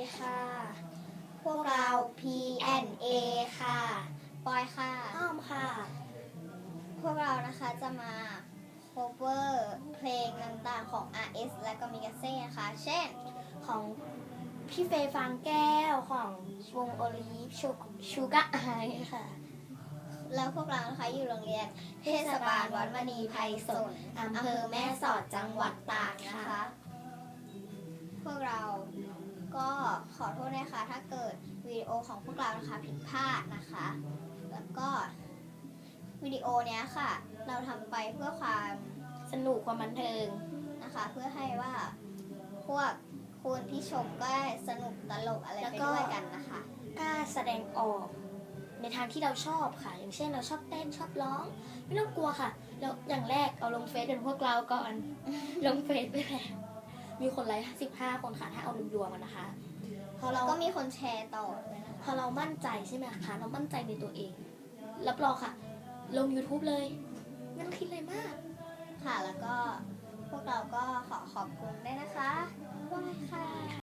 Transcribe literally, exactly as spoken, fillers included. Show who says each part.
Speaker 1: ค่ะ
Speaker 2: พวกเรา พี แอนด์ เอ ค่ะ ปอยค่ะ
Speaker 1: อ้อมค่ะ
Speaker 2: พวกเรานะคะจะมา cover เพลงต่างๆของ อาร์ เอส และก็มิกาเซ่นะคะ เช่น
Speaker 1: ของพี่เฟย์ฟางแก้วของวงโอลิฟชูชูกะไอค่ะ
Speaker 2: แล้วพวกเรานะคะอยู่โรงเรียนเทศบาลวัดมณีไพศาลอำเภอแม่สอดจังหวัดตากนะคะ พวกเราก็ขอโทษนะคะถ้าเกิดวิดีโอของพวกเรานะคะผิดพลาดนะคะ แล้วก็วิดีโอเนี้ยค่ะ เราทำไปเพื่อความ
Speaker 1: สนุกความบันเทิง
Speaker 2: นะคะ เพื่อให้ว่าพวกคุณที่ชมก็ได้สนุกตลกอะไร
Speaker 1: แล้ว
Speaker 2: ไป
Speaker 1: ก็
Speaker 2: ด้วยกันนะคะ
Speaker 1: กล้าแสดงออกในทางที่เราชอบค่ะ อย่างเช่นเราชอบเต้นชอบร้อง ไม่ต้องกลัวค่ะแล้วอย่างแรกเอาลงเฟซเป็นพวกเราก่อน ลงเฟซไปแล้วมีคนไลค์สิบห้าคนค่ะถ้าเอารวมๆกันนะคะ พอ
Speaker 2: แล้
Speaker 1: เรา
Speaker 2: วก็มีคนแชร์ต่อด้วยนะคะ
Speaker 1: พอเรามั่นใจใช่ไหมคะเรามั่นใจในตัวเองรับรองค่ะ ลง YouTube เลยไม่ต้องคิดอะไรมาก
Speaker 2: ค่ะ แล้วก็